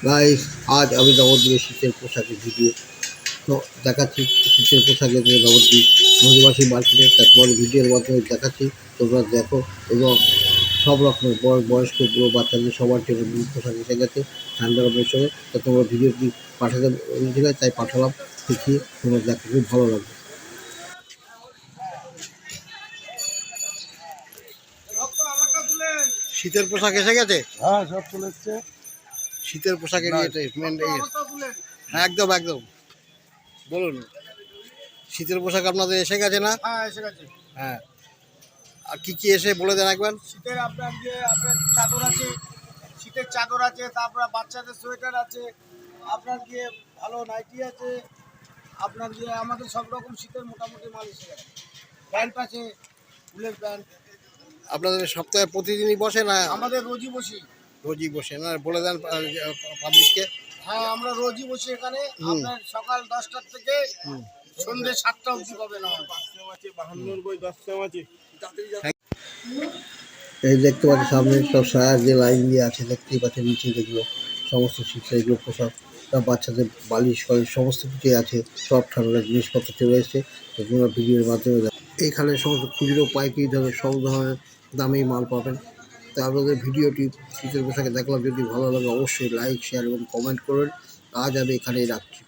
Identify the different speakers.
Speaker 1: Guys, আজ আমি নবদ্বীপের শীতের পোশাকের ভিডিও তো দেখাচ্ছি। শীতের পোশাকের যে নবদ্বীপ নদীবাসী মার্কেটে তা তোমাদের ভিডিওর মাধ্যমে দেখাচ্ছি। তোমরা দেখো এবং সব রকমের বয়স্ক বুড়ো বাচ্চাদের সবার জন্য পোশাক এসে গেছে ঠান্ডার মৌসুমে। তা তোমরা ভিডিওটি পাঠাতে ঠিক আছে, তাই পাঠালাম। দেখিয়ে তোমরা দেখো, খুব ভালো লাগবে। শীতের পোশাক এসে গেছে।
Speaker 2: হ্যাঁ, সব চলে এসছে।
Speaker 1: শীতের পোশাকের হ্যাঁ, একদম একদম বলুন। শীতের পোশাক আপনাদের এসে গেছে না?
Speaker 2: হ্যাঁ, এসে গেছে।
Speaker 1: হ্যাঁ, আর কি কি এসে বলে দেন একবার।
Speaker 2: শীতের আপনার চাদর আছে, শীতের চাদর আছে, তারপরে বাচ্চাদের সোয়েটার আছে, আপনার গিয়ে ভালো নাইটি আছে, আপনার গিয়ে আমাদের সব রকম শীতের মোটামুটি মাল এসে গেছে। প্যান্ট আছে, ফুলের প্যান্ট।
Speaker 1: আপনাদের সপ্তাহে প্রতিদিনই বসে না?
Speaker 2: আমাদের রোজই বসি।
Speaker 1: রোজই বসে না, বলে দেন পাবলিককে।
Speaker 2: হ্যাঁ, আমরা রোজই বসি এখানে। আপনার সকাল 10টার থেকে সন্ধ্যে 7টা অবধি পাবেন।
Speaker 1: এই দেখতে পাচ্ছি সামনে সব সায়ার যে লাইন দিয়ে আছে, দেখতেই পাচ্ছেন নিচে যেগুলো সমস্ত শীতের এগুলো পোশাক, সব বাচ্চাদের বালিশ ফালিশ সমস্ত কিছুই আছে। সব ঠান্ডার জিনিসপত্র চলে এসেছে, তোমরা ভিডিওর মাধ্যমে দেখো। এইখানে সমস্ত খুচরো পাইকারি ধরনের সব ধরনের দামেই মাল পাবেন। তা আপনাদের ভিডিওটি শীতের পোশাকে দেখলাম, যদি ভালো লাগে অবশ্যই লাইক শেয়ার এবং কমেন্ট করবেন। আজ আমি এখানেই রাখছি।